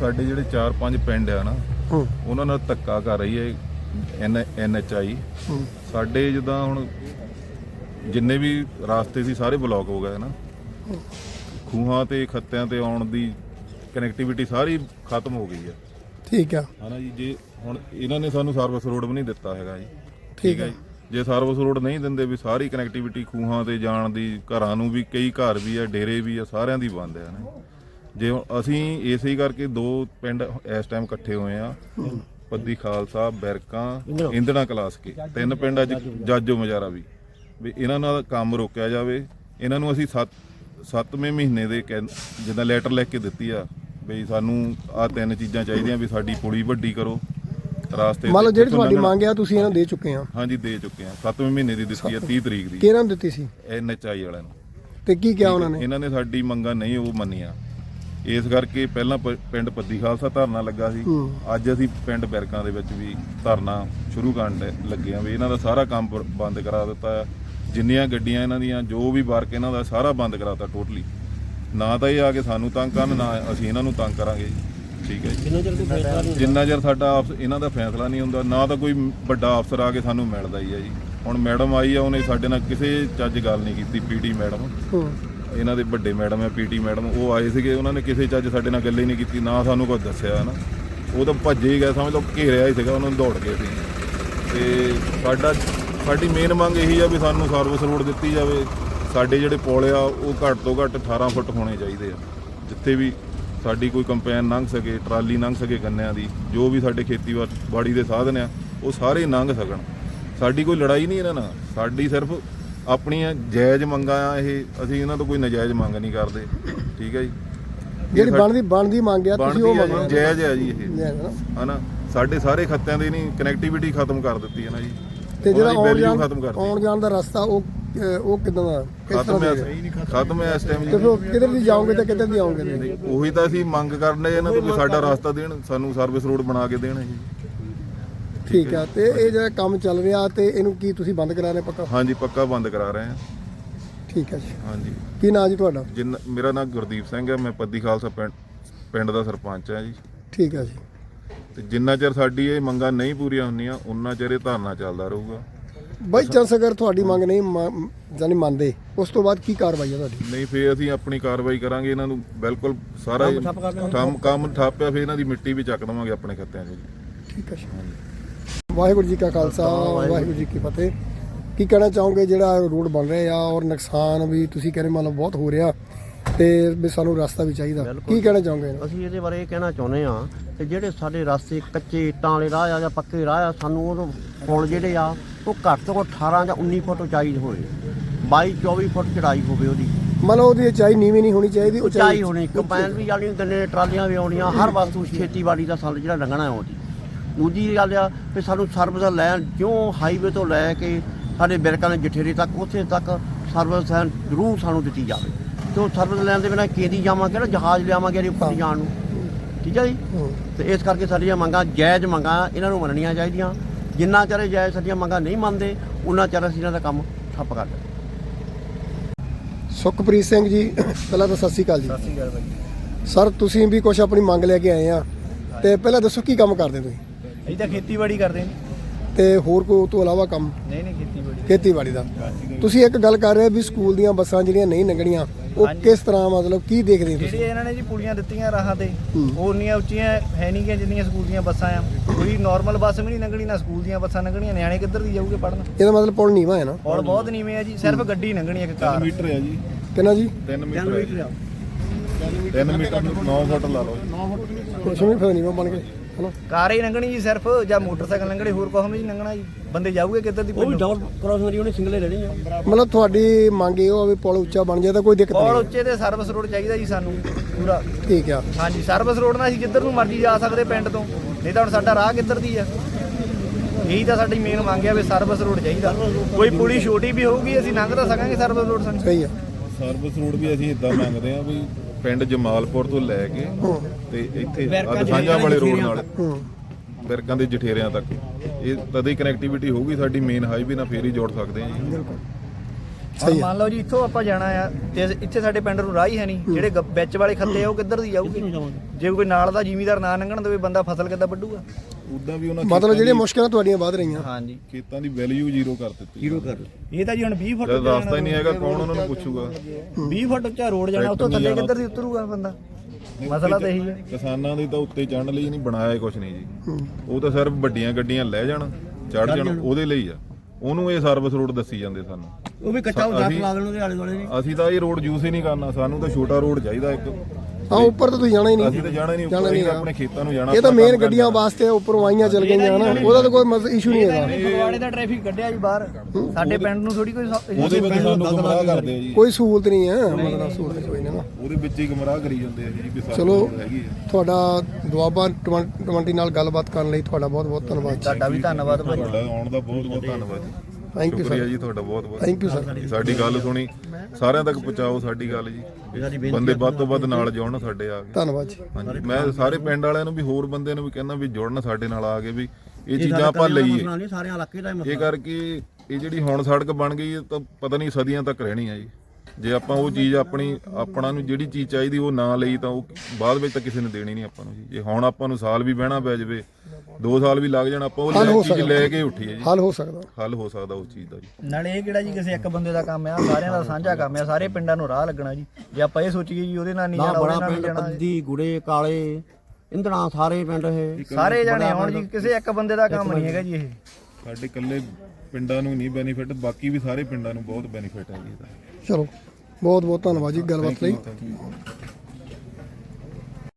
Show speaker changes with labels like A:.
A: ਸਾਡੇ ਜਿਹੜੇ 4-5 ਪਿੰਡ ਆ ਨਾ ਉਹਨਾਂ ਨਾਲ ਧੱਕਾ ਕਰ ਰਹੀ ਹੈ NHI। ਸਾਡੇ ਜਿੱਦਾਂ ਹੁਣ ਜਿੰਨੇ ਵੀ ਰਾਸਤੇ ਸੀ ਸਾਰੇ ਬਲੌਕ ਹੋ ਗਏ ਨਾ, ਖੂਹਾਂ ਤੇ ਖੱਤਿਆਂ ਤੇ ਆਉਣ ਦੀ ਕਨੈਕਟੀਵਿਟੀ ਸਾਰੀ ਖਤਮ ਹੋ ਗਈ ਹੈ।
B: ਠੀਕ ਆ
A: ਹੈ ਨਾ ਜੀ। ਜੇ ਹੁਣ ਇਹਨਾਂ ਨੇ ਸਾਨੂੰ ਸਰਵਿਸ ਰੋਡ ਵੀ ਨਹੀਂ ਦਿੱਤਾ ਹੈਗਾ ਜੀ।
B: ਠੀਕ ਹੈ
A: ਜੀ। ਜੇ ਸਰਵਿਸ ਰੋਡ ਨਹੀਂ ਦਿੰਦੇ ਵੀ ਸਾਰੀ ਕਨੈਕਟੀਵਿਟੀ ਖੂਹਾਂ ਤੇ ਜਾਣ ਦੀ, ਘਰਾਂ ਨੂੰ ਵੀ ਕਈ ਘਰ ਵੀ ਆ, ਡੇਰੇ ਵੀ ਆ, ਸਾਰਿਆਂ ਦੀ ਬੰਦ ਆ ਨਾ। ਜੇ ਅਸੀਂ ਇਸੇ ਕਰਕੇ 2 ਪਿੰਡ ਇਸ ਟਾਈਮ ਇਕੱਠੇ ਹੋਏ ਆ, ਪੱਦੀ ਖਾਲਸਾ, ਬੈਰਕਾਂ, ਇੰਦਣਾ ਕਲਾਸ ਕੇ 3 ਪਿੰਡ ਅੱਜ ਜਾਜੋ ਮਜਾਰਾ ਵੀ ਇਹਨਾਂ ਨਾਲ ਕੰਮ ਰੋਕਿਆ ਜਾਵੇ। ਇਹਨਾਂ ਨੂੰ ਅਸੀਂ 7ਵੇਂ ਮਹੀਨੇ ਦੇ ਜਿੱਦਾਂ ਲੈਟਰ ਲਿਖ ਕੇ ਦਿੱਤੀ ਆ ਵੀ ਸਾਨੂੰ ਆਹ 3 ਚੀਜ਼ਾਂ ਚਾਹੀਦੀਆਂ, ਵੀ ਸਾਡੀ ਪੁਲੀ ਵੱਡੀ ਕਰੋ ਰਾਸਤੇ।
B: ਮੰਨ ਲਓ ਜਿਹੜੀ ਤੁਹਾਡੀ ਮੰਗ ਆ ਤੁਸੀਂ ਇਹਨਾਂ ਨੂੰ ਦੇ ਚੁੱਕੇ ਆ?
A: ਹਾਂਜੀ ਦੇ ਚੁੱਕੇ ਆ। 7ਵੇਂ ਮਹੀਨੇ ਦੀ ਦਿੱਤੀ ਆ, 30 ਤਰੀਕ ਦੀ।
B: ਕਿਹਨਾਂ ਨੂੰ ਦਿੱਤੀ ਸੀ?
A: NHI ਵਾਲਿਆਂ ਨੂੰ।
B: ਤੇ ਕੀ ਕਿਹਾ ਉਹਨਾਂ ਨੇ?
A: ਇਹਨਾਂ ਨੇ ਸਾਡੀ ਮੰਗਾਂ ਨਹੀਂ ਉਹ ਮੰਨੀਆਂ। ਇਸ ਕਰਕੇ ਪਹਿਲਾਂ ਪਿੰਡ ਪੱਦੀ ਖਾਲਸਾ ਧਰਨਾ ਲੱਗਾ ਸੀ। ਅੱਜ ਅਸੀਂ ਪਿੰਡ ਬੈਰਕਾਂ ਦੇ ਵਿੱਚ ਵੀ ਧਰਨਾ ਸ਼ੁਰੂ ਕਰਨ ਲੱਗੇ ਆ ਵੀ ਇਹਨਾਂ ਦਾ ਸਾਰਾ ਕੰਮ ਬੰਦ ਕਰਾ ਦਿੱਤਾ ਆ। ਜਿੰਨੀਆਂ ਗੱਡੀਆਂ ਇਹਨਾਂ ਦੀਆਂ, ਜੋ ਵੀ ਵਰਕ ਇਹਨਾਂ ਦਾ ਸਾਰਾ ਬੰਦ ਕਰਾਤਾ ਟੋਟਲੀ। ਨਾ ਤਾਂ ਇਹ ਆ ਕੇ ਸਾਨੂੰ ਤੰਗ ਕਰਨ, ਨਾ ਅਸੀਂ ਇਹਨਾਂ ਨੂੰ ਤੰਗ ਕਰਾਂਗੇ ਜੀ। ਠੀਕ ਹੈ ਜੀ। ਜਿੰਨਾ ਚਿਰ ਸਾਡਾ ਇਹਨਾਂ ਦਾ ਫੈਸਲਾ ਨਹੀਂ ਹੁੰਦਾ, ਨਾ ਤਾਂ ਕੋਈ ਵੱਡਾ ਅਫਸਰ ਆ ਕੇ ਸਾਨੂੰ ਮਿਲਦਾ ਹੀ ਆ ਜੀ। ਹੁਣ ਮੈਡਮ ਆਈ ਆ, ਉਹਨੇ ਸਾਡੇ ਨਾਲ ਕਿਸੇ ਚੱਜ ਗੱਲ ਨਹੀਂ ਕੀਤੀ। PT ਮੈਡਮ, ਇਹਨਾਂ ਦੇ ਵੱਡੇ ਮੈਡਮ ਆ PT ਮੈਡਮ, ਉਹ ਆਏ ਸੀਗੇ, ਉਹਨਾਂ ਨੇ ਕਿਸੇ ਚੱਜ ਸਾਡੇ ਨਾਲ ਗੱਲ ਹੀ ਨਹੀਂ ਕੀਤੀ, ਨਾ ਸਾਨੂੰ ਕੁਝ ਦੱਸਿਆ ਹੈ ਨਾ। ਉਹ ਤਾਂ ਭੱਜੇ ਹੀ ਗਏ, ਸਮਝ ਲਓ ਘੇਰਿਆ ਹੀ ਸੀਗਾ, ਉਹਨਾਂ ਨੂੰ ਦੌੜ ਗਏ ਸੀ। ਤੇ ਸਾਡੀ ਮੇਨ ਮੰਗ ਇਹੀ ਆ ਵੀ ਸਾਨੂੰ ਸਰਵਿਸ ਰੋਡ ਦਿੱਤੀ ਜਾਵੇ। ਸਾਡੇ ਜਿਹੜੇ ਪੁਲ ਆ ਉਹ ਘੱਟ ਤੋਂ ਘੱਟ 18 ਫੁੱਟ ਹੋਣੇ ਚਾਹੀਦੇ ਆ, ਜਿੱਥੇ ਵੀ ਸਾਡੀ ਕੋਈ ਕੰਪੈਨ ਲੰਘ ਸਕੇ, ਟਰਾਲੀ ਲੰਘ ਸਕੇ ਗੰਨਿਆਂ ਦੀ, ਜੋ ਵੀ ਸਾਡੇ ਖੇਤੀਬਾੜੀ ਦੇ ਸਾਧਨ ਆ ਉਹ ਸਾਰੇ ਲੰਘ ਸਕਣ। ਸਾਡੀ ਕੋਈ ਲੜਾਈ ਨਹੀਂ ਇਹਨਾਂ ਨਾਲ, ਸਾਡੀ ਸਿਰਫ ਆਪਣੀਆਂ ਜਾਇਜ਼ ਮੰਗਾਂ ਆ ਇਹ। ਅਸੀਂ ਇਹਨਾਂ ਤੋਂ ਕੋਈ ਨਜਾਇਜ਼ ਮੰਗ ਨਹੀਂ ਕਰਦੇ। ਠੀਕ ਹੈ ਜੀ।
B: ਜਿਹੜੀ ਬਣਦੀ ਮੰਗ ਆ ਤੁਸੀਂ ਉਹ ਮੰਗੋ,
A: ਜਾਇਜ਼ ਆ ਜੀ ਇਹ, ਹਨਾ। ਸਾਡੇ ਸਾਰੇ ਖੱਤਿਆਂ ਦੀ ਨਹੀਂ ਕਨੈਕਟੀਵਿਟੀ ਖਤਮ ਕਰ ਦਿੱਤੀ ਹੈ ਨਾ ਜੀ।
B: ਤੇ ਜਿਹੜਾ ਆਉਣ ਜਾਣ ਦਾ ਰਸਤਾ ਉਹ ਕਿੱਦਾਂ ਦਾ?
A: ਖਤਮ ਹੈ ਇਸ ਟਾਈਮ ਜੀ।
B: ਤੇ ਫਿਰ ਕਿੱਧਰ ਦੀ ਜਾਓਗੇ ਤੇ ਕਿੱਧਰ ਦੀ ਆਓਗੇ?
A: ਉਹੀ ਤਾਂ ਅਸੀਂ ਮੰਗ ਕਰਨੇ ਇਹਨਾਂ ਤੋਂ ਵੀ ਸਾਡਾ ਰਸਤਾ ਦੇਣ, ਸਾਨੂੰ ਸਰਵਿਸ ਰੋਡ ਬਣਾ ਕੇ ਦੇਣ ਜੀ।
B: ਠੀਕ ਆ। ਤੇ ਇਹ ਜਿਹੜਾ ਕੰਮ ਚੱਲ ਰਿਹਾ ਤੇ ਇਹਨੂੰ ਕੀ ਤੁਸੀਂ ਬੰਦ ਕਰਾ ਰਹੇ ਪੱਕਾ?
A: ਹਾਂਜੀ ਪੱਕਾ ਬੰਦ ਕਰਾ ਰਹੇ ਹਾਂ।
B: ਠੀਕ ਹੈ ਜੀ।
A: ਹਾਂਜੀ।
B: ਕੀ ਨਾਂ ਜੀ ਤੁਹਾਡਾ?
A: ਮੇਰਾ ਨਾਮ ਗੁਰਦੀਪ ਸਿੰਘ ਹੈ। ਮੈਂ ਪੱਦੀ ਖਾਲਸਾ ਪਿੰਡ ਦਾ ਸਰਪੰਚ ਹਾਂ ਜੀ।
B: ਠੀਕ ਹੈ ਜੀ।
A: ਤੇ ਜਿੰਨਾ ਚਿਰ ਸਾਡੀ ਇਹ ਮੰਗਾਂ ਨਹੀਂ ਪੂਰੀਆਂ ਹੁੰਦੀਆਂ ਉਹਨਾਂ ਚਿਰ ਇਹ ਧਰਨਾ ਚੱਲਦਾ ਰਹੂਗਾ।
B: ਬਾਈ ਚਾਂਸ ਅਗਰ ਤੁਹਾਡੀ ਮੰਗ ਨਹੀਂ ਜਾਨੀ ਮੰਨਦੇ, ਉਸ ਤੋਂ ਬਾਅਦ ਕੀ ਕਾਰਵਾਈ ਹੈ ਤੁਹਾਡੀ?
A: ਨਹੀਂ ਫਿਰ ਅਸੀਂ ਆਪਣੀ ਕਾਰਵਾਈ ਕਰਾਂਗੇ। ਇਹਨਾਂ ਨੂੰ ਬਿਲਕੁਲ ਸਾਰਾ ਕੰਮ ਠਾਪਿਆ, ਫਿਰ ਇਹਨਾਂ ਦੀ ਮਿੱਟੀ ਵੀ ਚੱਕ ਦੇਵਾਂਗੇ ਆਪਣੇ ਖੱਤਿਆਂ 'ਚ ਜੀ। ਠੀਕ ਹੈ ਜੀ। ਵਾਹਿਗੁਰੂ ਜੀ ਕਾ ਖਾਲਸਾ, ਵਾਹਿਗੁਰੂ ਜੀ ਕੀ ਫਤਿਹ। ਕੀ ਕਹਿਣਾ ਚਾਹੋਗੇ ਜਿਹੜਾ ਰੋਡ ਬਣ ਰਿਹਾ ਆ ਔਰ ਨੁਕਸਾਨ ਵੀ ਤੁਸੀਂ ਕਹਿੰਦੇ ਮੰਨ ਲਓ ਬਹੁਤ ਹੋ ਰਿਹਾ ਤੇ ਵੀ ਸਾਨੂੰ ਰਸਤਾ ਵੀ ਚਾਹੀਦਾ, ਕੀ ਕਹਿਣਾ ਚਾਹੋਗੇ?
C: ਅਸੀਂ ਇਹਦੇ ਬਾਰੇ ਇਹ ਕਹਿਣਾ ਚਾਹੁੰਦੇ ਆ ਕਿ ਜਿਹੜੇ ਸਾਡੇ ਰਸਤੇ ਕੱਚੇ ਇੱਟਾਂ ਵਾਲੇ ਰਾਹ ਆ ਜਾਂ ਪੱਕੇ ਰਾਹ ਆ, ਸਾਨੂੰ ਉਹ ਪੁਲ ਜਿਹੜੇ ਆ ਉਹ ਘੱਟ ਤੋਂ ਘੱਟ 18 ਜਾਂ 19 ਫੁੱਟ ਉਚਾਈ ਹੋਵੇ, 22-24 ਫੁੱਟ ਚੜਾਈ ਹੋਵੇ ਉਹਦੀ।
B: ਮਤਲਬ ਉਹਦੀ ਉਚਾਈ ਨੀਵੀਂ ਨਹੀਂ ਹੋਣੀ ਚਾਹੀਦੀ,
C: ਉਚਾਈ ਹੋਣੀ। ਕੰਬਾਈਨ ਵੀ ਜਾਣੀ, ਗੰਨੇ ਟਰਾਲੀਆਂ ਵੀ ਆਉਣੀਆਂ, ਹਰ ਵਸਤੂ ਖੇਤੀਬਾੜੀ ਦਾ ਸਾਲ ਜਿਹੜਾ ਲੰਘਣਾ ਉਹਦੀ। ਦੂਜੀ ਗੱਲ ਆ ਵੀ ਸਾਨੂੰ ਸਰਵਿਸ ਲੈਣ, ਕਿਉਂ ਹਾਈਵੇ ਤੋਂ ਲੈ ਕੇ ਸਾਡੇ ਬਿਰਕਾਂ ਦੇ ਜਠੇਰੇ ਤੱਕ, ਉੱਥੇ ਤੱਕ ਸਰਵਿਸ ਲੈਣ ਜ਼ਰੂਰ ਸਾਨੂੰ ਦਿੱਤੀ ਜਾਵੇ। ਕਿਉਂ ਸਰਵਿਸ ਲੈਣ ਦੇ ਬਿਨਾਂ ਕਿਹਦੀ ਜਾਵਾਂਗੇ ਨਾ, ਜਹਾਜ਼ ਲਿਆਵਾਂਗੇ ਇਹਦੇ ਉੱਪਰ ਜਾਣ ਨੂੰ। ਠੀਕ ਹੈ ਜੀ। ਤੇ ਇਸ ਕਰਕੇ ਸਾਡੀਆਂ ਮੰਗਾਂ ਜਾਇਜ਼ ਮੰਗਾਂ ਇਹਨਾਂ ਨੂੰ ਮੰਨਣੀਆਂ ਚਾਹੀਦੀਆਂ। ਜਿੰਨਾ ਚਿਰ ਜਾਇਜ਼ ਸਾਡੀਆਂ ਮੰਗਾਂ ਨਹੀਂ ਮੰਨਦੇ ਉਹਨਾਂ ਚਿਰ ਅਸੀਂ ਇਹਨਾਂ ਦਾ ਕੰਮ ਠੱਪ ਕਰ ਦਿੰਦੇ।
B: ਸੁਖਪ੍ਰੀਤ ਸਿੰਘ ਜੀ, ਪਹਿਲਾਂ ਤਾਂ ਸਤਿ ਸ਼੍ਰੀ ਅਕਾਲ ਜੀ।
D: ਸਤਿ ਸ਼੍ਰੀ ਅਕਾਲ ਭਾਈ।
B: ਸਰ ਤੁਸੀਂ ਵੀ ਕੁਝ ਆਪਣੀ ਮੰਗ ਲੈ ਕੇ ਆਏ ਆ, ਤੇ ਪਹਿਲਾਂ ਦੱਸੋ ਕੀ ਕੰਮ ਕਰਦੇ ਤੁਸੀਂ?
D: ਅਸੀਂ ਤਾਂ ਖੇਤੀਬਾੜੀ ਕਰਦੇ ਨੇ।
B: ਤੇ ਹੋਰ ਕੋਈ ਉਹ ਤੋਂ ਇਲਾਵਾ ਕੰਮ?
D: ਨਹੀਂ
B: ਖੇਤੀਬਾੜੀ ਦਾ। ਤੁਸੀਂ ਇੱਕ ਗੱਲ ਕਰ ਰਹੇ ਵੀ ਸਕੂਲ ਦੀਆਂ ਬੱਸਾਂ ਜਿਹੜੀਆਂ ਨਹੀਂ ਲੰਘਣੀਆਂ, ਉਹ ਕਿਸ ਤਰ੍ਹਾਂ, ਮਤਲਬ ਕੀ ਦੇਖਦੇ ਤੁਸੀਂ?
D: ਜਿਹੜੀਆਂ ਇਹਨਾਂ ਨੇ ਜੀ ਪੁਲੀਆਂ ਦਿੱਤੀਆਂ ਰਾਹਾਂ ਤੇ, ਉਹ ਉਨੀਆਂ ਉੱਚੀਆਂ ਹੈ ਨਹੀਂ ਕਿ ਜਿੰਨੀਆਂ ਸਕੂਲ ਦੀਆਂ ਬੱਸਾਂ ਆ। ਕੋਈ ਨਾਰਮਲ ਬੱਸ ਵੀ ਨਹੀਂ ਲੰਘਣੀ, ਨਾ ਸਕੂਲ ਦੀਆਂ ਬੱਸਾਂ ਲੰਘਣੀਆਂ। ਨਿਆਣੇ ਕਿੱਧਰ ਦੀ ਜਾਊਗੇ ਪੜ੍ਹਨ?
B: ਇਹਦਾ ਮਤਲਬ ਪੁਲ ਨੀਵਾਂ ਹੈ ਨਾ?
D: ਪੁਲ ਬਹੁਤ ਨੀਵੇਂ ਆ ਜੀ, ਸਿਰਫ ਗੱਡੀ ਲੰਘਣੀ ਇੱਕ ਕਾਰ।
A: 3 ਮੀਟਰ ਹੈ ਜੀ।
B: ਕਿੰਨਾ ਜੀ?
A: 3 ਮੀਟਰ 3 ਮੀਟਰ 9 ਫੁੱਟ ਲਾ ਲਓ ਜੀ। 9 ਫੁੱਟ
B: ਕੁਛ ਵੀ ਫਿਰ ਨੀਵਾਂ ਬਣ ਕੇ ਹਨਾ?
D: ਕਾਰ ਹੀ ਲੰਘਣੀ ਜੀ ਸਿਰਫ, ਜਾਂ ਮੋਟਰਸਾਈਕਲ ਲੰਘਣੇ, ਹੋਰ ਕੁਛ ਨਹੀਂ ਲੰਘਣਾ ਜੀ। ਬੰਦੇ ਜਾਊਗੇ ਕਿੱਧਰ ਦੀ?
C: ਉਹ ਵੀ ਡਬਲ ਕ੍ਰਾਸਿੰਗ ਦੀ ਉਹਨੇ ਸਿੰਗਲੇ ਲੈਣੀ ਆ।
B: ਮਤਲਬ ਤੁਹਾਡੀ ਮੰਗ ਇਹ ਹੋ ਵੀ ਪੁਲ ਉੱਚਾ ਬਣ ਜਾਏ ਤਾਂ ਕੋਈ ਦਿੱਕਤ
D: ਪੁਲ
B: ਨਹੀਂ?
D: ਉੱਚੇ ਤੇ ਸਰਵਿਸ ਰੋਡ ਚਾਹੀਦਾ ਜੀ ਸਾਨੂੰ ਪੂਰਾ।
B: ਠੀਕ ਆ।
D: ਹਾਂਜੀ, ਸਰਵਿਸ ਰੋਡ ਨਾਲ ਅਸੀਂ ਜਿੱਧਰ ਨੂੰ ਮਰਜ਼ੀ ਜਾ ਸਕਦੇ ਪਿੰਡ ਤੋਂ, ਨਹੀਂ ਤਾਂ ਹੁਣ ਸਾਡਾ ਰਾਹ ਕਿੱਧਰ ਦੀ ਆ। ਇਹੀ ਤਾਂ ਸਾਡੀ ਮੇਨ ਮੰਗ ਆ ਵੀ ਸਰਵਿਸ ਰੋਡ ਚਾਹੀਦਾ। ਕੋਈ ਪੁਲੀ ਛੋਟੀ ਵੀ ਹੋਊਗੀ ਅਸੀਂ ਲੰਘ ਤਾਂ ਸਕਾਂਗੇ ਸਰਵਿਸ ਰੋਡ ਸਾਨੂੰ।
B: ਸਹੀ ਆ।
A: ਸਰਵਿਸ ਰੋਡ ਵੀ ਅਸੀਂ ਇਦਾਂ ਮੰਗਦੇ ਆ ਵੀ ਪਿੰਡ ਜਮਾਲਪੁਰ ਤੋਂ ਲੈ ਕੇ ਤੇ ਇੱਥੇ ਦਸਾਂਝਾਂ ਵਾਲੇ ਰੋਡ ਨਾਲ ਬਿਰਕਾਂ ਦੇ ਜਠੇਰਿਆਂ ਤੱਕ, ਇਹ ਤਦ ਹੀ ਕਨੈਕਟੀਵਿਟੀ ਹੋਊਗੀ ਸਾਡੀ ਮੇਨ ਹਾਈਵੇ ਨਾਲ, ਫੇਰ ਹੀ ਜੋੜ ਸਕਦੇ ਆ ਜੀ।
D: ਹੁਣ ਮੰਨ ਲਓ ਜੀ ਇੱਥੋਂ ਆਪਾਂ ਜਾਣਾ ਆ ਤੇ ਇੱਥੇ ਸਾਡੇ ਪਿੰਡ ਨੂੰ ਰਾਹ ਹੀ ਹੈ ਨਹੀਂ, ਜਿਹੜੇ ਵਿੱਚ ਵਾਲੇ ਖੱਤੇ ਆ ਉਹ ਕਿੱਧਰ ਦੀ ਜਾਊਗੇ? ਜੇ ਕੋਈ ਨਾਲ ਦਾ ਜ਼ਿਮੀਦਾਰ ਨਾ ਲੰਘਣ ਦੇਵੇ ਬੰਦਾ ਫਸਲ ਕਿੱਦਾਂ ਵੱਢੂਗਾ?
A: ਉਦਾਂ ਵੀ ਉਹਨਾਂ
B: ਮਤਲਬ ਜਿਹੜੀਆਂ ਮੁਸ਼ਕਲਾਂ ਤੁਹਾਡੀਆਂ ਵੱਧ ਰਹੀਆਂ।
D: ਹਾਂਜੀ
A: ਖੇਤਾਂ ਦੀ ਵੈਲਿਊ ਜ਼ੀਰੋ ਕਰ ਦਿੱਤੀ।
D: ਇਹ ਤਾਂ ਜੀ ਹੁਣ 20 ਫੁੱਟ
A: ਜਦ ਰਸਤਾ ਹੀ ਨਹੀਂ ਹੈਗਾ, ਕੌਣ ਉਹਨਾਂ ਨੂੰ ਪੁੱਛੂਗਾ?
D: 20 ਫੁੱਟ ਉੱਚਾ ਰੋਡ ਜਾਣਾ, ਉੱਥੋਂ ਥੱਲੇ ਕਿੱਧਰ ਦੀ ਉਤਰੂਗਾ ਬੰਦਾ? ਮਸਲਾ ਤਾਂ ਇਹੀ ਹੈ।
A: ਕਿਸਾਨਾਂ ਦੇ ਤਾਂ ਉੱਤੇ ਚੜ੍ਹਨ ਲਈ ਨਹੀਂ ਬਣਾਇਆ ਕੁਛ ਨਹੀਂ ਜੀ। ਉਹ ਤਾਂ ਸਿਰਫ ਵੱਡੀਆਂ ਗੱਡੀਆਂ ਲੈ ਜਾਣ, ਚੜ੍ਹ ਜਾਣ, ਉਹਦੇ ਲਈ ਆ। ਉਹਨੂੰ ਇਹ ਸਰਵਿਸ ਰੋਡ ਦੱਸੀ ਜਾਂਦੇ ਸਾਨੂੰ।
C: ਉਹ ਵੀ ਕੱਚਾ ਲਾ ਦੇਣ ਉਹਦੇ ਆਲੇ ਦੁਆਲੇ ਨੇ।
A: ਅਸੀਂ ਤਾਂ ਇਹ ਰੋਡ ਯੂਜ਼ ਹੀ ਨਹੀਂ ਕਰਨਾ, ਸਾਨੂੰ ਤਾਂ ਛੋਟਾ ਰੋਡ ਚਾਹੀਦਾ ਇੱਕ।
B: ਹਾਂ ਉੱਪਰ ਤਾਂ ਤੁਸੀਂ ਜਾਣਾ ਹੀ ਨਹੀਂ।
A: ਅਸੀਂ ਤਾਂ ਜਾਣਾ ਨਹੀਂ, ਉੱਪਰ ਅਸੀਂ ਆਪਣੇ ਖੇਤਾਂ ਨੂੰ ਜਾਣਾ।
B: ਇਹ ਤਾਂ ਮੇਨ ਗੱਡੀਆਂ ਵਾਸਤੇ ਉੱਪਰੋਂ ਆਈਆਂ ਚੱਲ ਗਈਆਂ ਨਾ, ਉਹਦਾ ਤਾਂ ਕੋਈ ਇਸ਼ੂ ਨਹੀਂ ਹੈਗਾ।
D: ਫਗਵਾੜੇ ਦਾ ਟ੍ਰੈਫਿਕ ਕੱਢਿਆ ਜੀ ਬਾਹਰ, ਸਾਡੇ ਪਿੰਡ ਨੂੰ ਥੋੜੀ ਕੋਈ
A: ਉਹਦੇ ਵਿੱਚ ਸਾਨੂੰ ਗੁੰਮਰਾਹ ਕਰਦੇ ਆ ਜੀ।
B: ਕੋਈ ਸਹੂਲਤ ਨਹੀਂ ਹੈ, ਮਤਲਬ ਸਹੂਲਤ ਕੋਈ ਨਹੀਂ ਨਾ।
A: ਉਹਦੇ ਵਿੱਚ ਹੀ ਗੁੰਮਰਾਹ ਕਰੀ ਜਾਂਦੇ ਆ ਜੀ ਵੀ ਸਾਡੀ
B: ਚਲੋ
A: ਹੈਗੀ ਆ।
B: ਤੁਹਾਡਾ ਦੁਆਬਾ 20 ਨਾਲ ਗੱਲਬਾਤ ਕਰਨ ਲਈ ਤੁਹਾਡਾ ਬਹੁਤ ਬਹੁਤ ਧੰਨਵਾਦ।
D: ਤੁਹਾਡਾ ਵੀ ਧੰਨਵਾਦ ਭਾਜੀ।
A: ਤੁਹਾਡਾ ਆਉਣ ਦਾ ਬਹੁਤ ਬਹੁਤ ਧੰਨਵਾਦ ਜੀ।
B: ਥੈਂਕ ਯੂ
A: ਸ਼ੁਕਰੀਆ
B: ਸਰ।
A: ਜੀ ਤੁਹਾਡਾ ਬਹੁਤ ਬਹੁਤ।
B: Thank you sir.
A: ਸਾਡੀ ਗੱਲ ਸੁਣੀ, ਸਾਰਿਆਂ ਤੱਕ ਪਹੁੰਚਾਓ ਸਾਡੀ ਗੱਲ ਜੀ। ਬੰਦੇ ਵੱਧ ਤੋਂ ਵੱਧ ਨਾਲ ਜੁੜਨ ਸਾਡੇ ਆ ਕੇ।
B: ਧੰਨਵਾਦ ਜੀ।
A: ਹਾਂਜੀ, ਮੈਂ ਸਾਰੇ ਪਿੰਡ ਵਾਲਿਆਂ ਨੂੰ ਵੀ ਹੋਰ ਬੰਦਿਆਂ ਨੂੰ ਵੀ ਕਹਿੰਦਾ ਵੀ ਜੁੜਨ ਸਾਡੇ ਨਾਲ ਆ ਕੇ, ਵੀ ਇਹ ਚੀਜ਼ਾਂ ਆਪਾਂ ਲਈਏ।
C: ਸਾਰੇ ਇਲਾਕੇ ਦਾ
A: ਇਹ ਕਰਕੇ ਇਹ ਜਿਹੜੀ ਹੁਣ ਸੜਕ ਬਣ ਗਈ, ਇਹ ਤਾਂ ਪਤਾ ਨਹੀਂ ਸਦੀਆਂ ਤੱਕ ਰਹਿਣੀ ਆ ਜੀ। ਜੇ ਆਪਾਂ ਉਹ ਚੀਜ਼ ਆਪਣਾ ਨੂੰ ਜਿਹੜੀ ਚੀਜ਼ ਚਾਹੀਦੀ ਉਹ ਨਾ ਲਈ ਤਾਂ ਉਹ ਬਾਅਦ ਵਿੱਚ ਤਾਂ ਕਿਸੇ ਨੇ ਦੇਣੀ ਨਹੀਂ ਆਪਾਂ ਨੂੰ ਜੀ। ਜੇ ਹੁਣ ਆਪਾਂ ਨੂੰ ਸਾਲ ਵੀ ਬਹਿਣਾ ਪੈ ਜਾਵੇ, 2 ਸਾਲ ਵੀ ਲੱਗ ਜਾਣ, ਆਪਾਂ ਉਹ ਚੀਜ਼ ਲੈ ਕੇ ਉੱਠੀਏ ਜੀ।
B: ਹੱਲ ਹੋ ਸਕਦਾ।
A: ਹੱਲ ਹੋ ਸਕਦਾ ਉਸ ਚੀਜ਼ ਦਾ ਜੀ।
D: ਨਾਲੇ ਇਹ ਕਿਹੜਾ ਜੀ ਕਿਸੇ ਇੱਕ ਬੰਦੇ ਦਾ ਕੰਮ ਆ, ਸਾਰਿਆਂ ਦਾ ਸਾਂਝਾ ਕੰਮ ਆ, ਸਾਰੇ ਪਿੰਡਾਂ ਨੂੰ ਰਾਹ ਲੱਗਣਾ ਜੀ। ਜੇ ਆਪਾਂ ਇਹ ਸੋਚੀਏ ਜੀ ਉਹਦੇ ਨਾਲ ਨਹੀਂ ਜਾਣਾ, ਉਹਦੇ ਨਾਲ ਨਹੀਂ ਜਾਣਾ,
C: ਪੱਦੀ ਗੁੜੇ ਕਾਲੇ ਇੰਦਣਾ ਸਾਰੇ ਪਿੰਡ ਇਹ
D: ਸਾਰੇ ਜਾਣੇ ਆਉਣ ਜੀ, ਕਿਸੇ ਇੱਕ ਬੰਦੇ ਦਾ ਕੰਮ ਨਹੀਂ ਹੈਗਾ ਜੀ ਇਹ।
A: ਸਾਡੇ ਇਕੱਲੇ ਪਿੰਡਾਂ ਨੂੰ ਨਹੀਂ ਬੈਨੀਫਿਟ, ਬਾਕੀ ਵੀ ਸਾਰੇ ਪਿੰਡਾਂ ਨੂੰ ਬਹੁਤ ਬੈਨੀਫਿਟ ਹੈ ਜੀ ਇਹਦਾ।
B: ਚਲੋ ਬਹੁਤ ਬਹੁਤ ਧੰਨਵਾਦ ਜੀ ਗੱਲਬਾਤ ਲਈ।